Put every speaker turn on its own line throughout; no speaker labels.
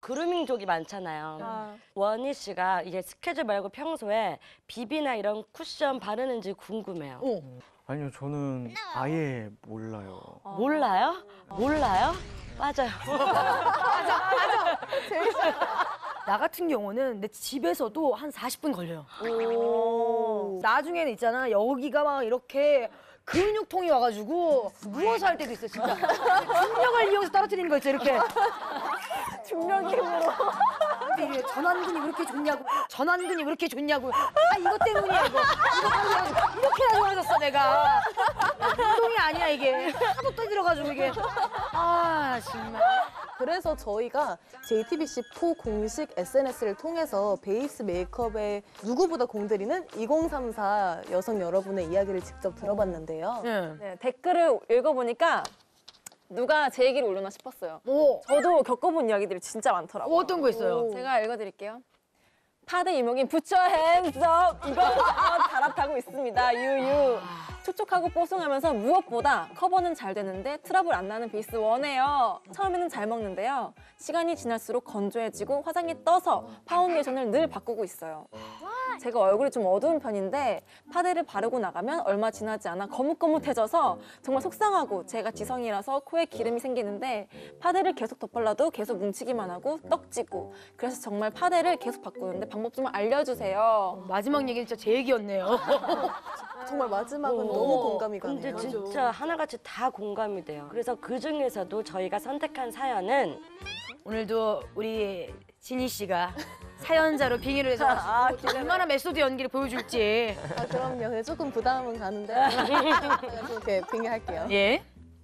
그루밍족이 많잖아요. 원희 씨가 이게 스케줄 말고 평소에 비비나 이런 쿠션 바르는지 궁금해요.
아니요, 저는 아예 몰라요.
몰라요? 몰라요? 맞아요.
나 같은 경우는 내 집에서도 한 40분 걸려요. 나중에는 있잖아, 여기가 막 이렇게 근육통이 와가지고 누워서 할 때도 있어, 진짜. 중력을 이용해서 떨어뜨리는 거 있죠, 이렇게. 중력 힘으로. 이게 전완근이 왜 이렇게 좋냐고, 전완근이 왜 이렇게 좋냐고. 아, 이것 때문이야, 이거. 이거 때문에 이렇게나 좋아졌어, 내가. 운동이 아니야, 이게. 하도 떠들어가지고, 이게. 아, 정말.
그래서 저희가 JTBC4 공식 SNS를 통해서 베이스 메이크업에 누구보다 공들이는 2034 여성 여러분의 이야기를 직접 들어봤는데요.
네, 댓글을 읽어보니까 누가 제 얘기를 올려나 싶었어요.
오.
저도 겪어본 이야기들이 진짜 많더라고요.
어떤 거 있어요?
제가 읽어드릴게요. 파데 이목인 부처 핸즈업 이거 갈아타고 있습니다. 유유. 촉촉하고 뽀송하면서 무엇보다 커버는 잘 되는데 트러블 안 나는 베이스 원해요. 처음에는 잘 먹는데요. 시간이 지날수록 건조해지고 화장이 떠서 파운데이션을 늘 바꾸고 있어요. 제가 얼굴이 좀 어두운 편인데 파데를 바르고 나가면 얼마 지나지 않아 거뭇거뭇해져서 정말 속상하고 제가 지성이라서 코에 기름이 생기는데 파데를 계속 덧발라도 계속 뭉치기만 하고 떡지고 그래서 정말 파데를 계속 바꾸는데 방법 좀 알려주세요.
마지막 얘기는 진짜 제 얘기였네요.
정말 마지막은 너무 공감이 가네요.
근데 진짜 하나같이 다 공감이 돼요. 그래서 그 중에서도 저희가 선택한 사연은
오늘도 우리 진희 씨가 사연자로 빙의를 해서 얼마나 메소드 연기를 보여줄지.
아, 그럼요. 근데 조금 부담은 가는데 제가 좀 이렇게 빙의할게요.
예.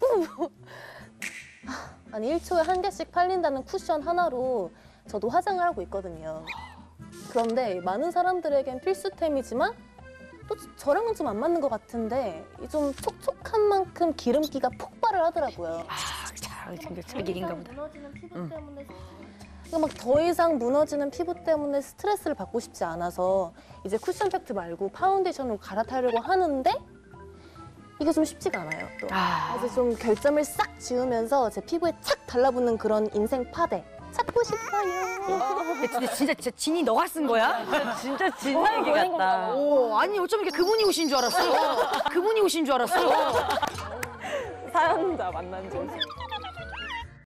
아니 1초에 한 개씩 팔린다는 쿠션 하나로 저도 화장을 하고 있거든요. 그런데 많은 사람들에겐 필수템이지만 또 저랑은 좀 안 맞는 것 같은데 좀 촉촉한 만큼 기름기가 폭발을 하더라고요.
진짜 제 얘기인가 보다.
무너지는 피부 때문에 막 더 이상 무너지는 피부 때문에 스트레스를 받고 싶지 않아서 이제 쿠션 팩트 말고 파운데이션으로 갈아타려고 하는데 이게 좀 쉽지가 않아요. 또. 그래서 좀 결점을 싹 지우면서 제 피부에 착 달라붙는 그런 인생 파데 찾고 싶어요.
진짜 진이 너가 쓴 거야?
진짜 진짜 얘기 같다.
오, 아니 어쩜 이렇게 그분이 오신 줄 알았어. 그분이 오신 줄 알았어.
사연자 만난 지